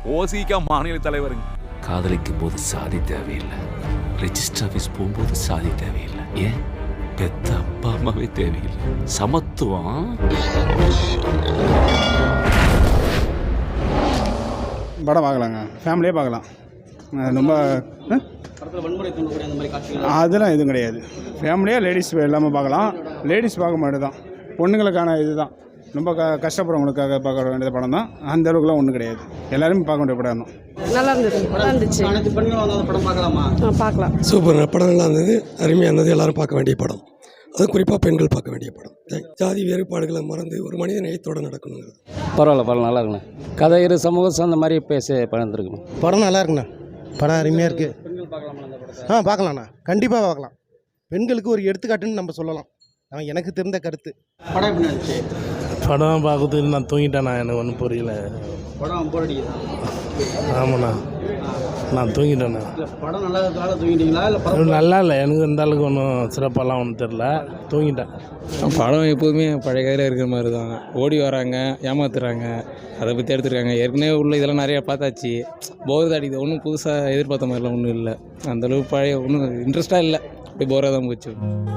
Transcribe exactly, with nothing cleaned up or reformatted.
ஓசிகா மாநில தலைவருங்க. காதலிக்கும் போது சாதி தேவையில்லை, ரெஜிஸ்டர் ஆஃபீஸ் போகும்போது சாதி தேவையில்லை, ஏன் பெத்த அப்பா அம்மாவே தேவையில்லை. சமத்துவம். படம் பார்க்கலாங்க, ஃபேமிலியே பார்க்கலாம். ரொம்ப அதெல்லாம் எதுவும் கிடையாது. ஃபேமிலியாக லேடிஸ் எல்லாமே பார்க்கலாம். லேடிஸ் பார்க்க மாட்டேன் தான், பொண்ணுங்களுக்கான இது தான். ரொம்ப க கஷ்டப்படுறவங்களுக்காக பார்க்க வேண்டிய படம் தான். அந்த அளவுக்குலாம் ஒன்றும் கிடையாது, எல்லாருமே பார்க்க வேண்டிய படம் தான். நல்லா இருந்தது, நல்லா இருந்துச்சு. அனைத்து பெண்களும் வந்து படம் பார்க்கலாமா? பார்க்கலாம். சூப்பர் படம், நல்லா இருந்தது, அருமையாக இருந்தது. எல்லாரும் பார்க்க வேண்டிய படம், அது குறிப்பாக பெண்கள் பார்க்க வேண்டிய படம். ஜாதி வேறுபாடுகளை மறந்து ஒரு மனித நேயத்தோடு நடக்கணுங்கிறது. பரவாயில்ல, பரவாயில்ல, நல்லா இருக்குண்ணே. கதை இரு சமூகம் சார்ந்த மாதிரி பேச படம் இருக்குண்ணா. படம் நல்லா இருக்குண்ணா, படம் அருமையாக இருக்குது. பெண்கள் பார்க்கலாமா அந்த படத்தை? ஆ பார்க்கலாண்ணா, கண்டிப்பாக பார்க்கலாம். பெண்களுக்கு ஒரு எடுத்துக்காட்டுன்னு நம்ம சொல்லலாம். அவன் எனக்கு தெரிந்த கருத்து. படம் எப்படி இருந்துச்சு? படம் பார்க்கறதுக்கு நான் தூங்கிட்டேண்ணா, எனக்கு ஒன்றும் புரியல. படம் போர் அடிக்குதா? ஆமாண்ணா, நான் தூங்கிட்டேண்ணா. இல்லை படம் நல்லா இருக்கிறதால தூங்கிட்டீங்களா இல்லை படம் நல்லா இல்லை, எனக்கு இந்த அளவுக்கு ஒன்றும் சிறப்பாலாம் ஒன்றும் தெரில, தூங்கிட்டேன். படம் எப்போதுமே பழைய கதையில் இருக்கிற மாதிரி தான். ஓடி வராங்க, ஏமாத்துறாங்க, அதை பற்றி எடுத்துருக்காங்க. ஏற்கனவே உள்ள இதெல்லாம் நிறையா பார்த்தாச்சு, போர் அடிக்குது. ஒன்றும் புதுசாக எதிர்பார்த்த மாதிரிலாம் ஒன்றும் இல்லை. அந்தளவுக்கு பழைய ஒன்றும் இன்ட்ரெஸ்ட்டாக இல்லை, அப்படி போராக தான் போச்சு.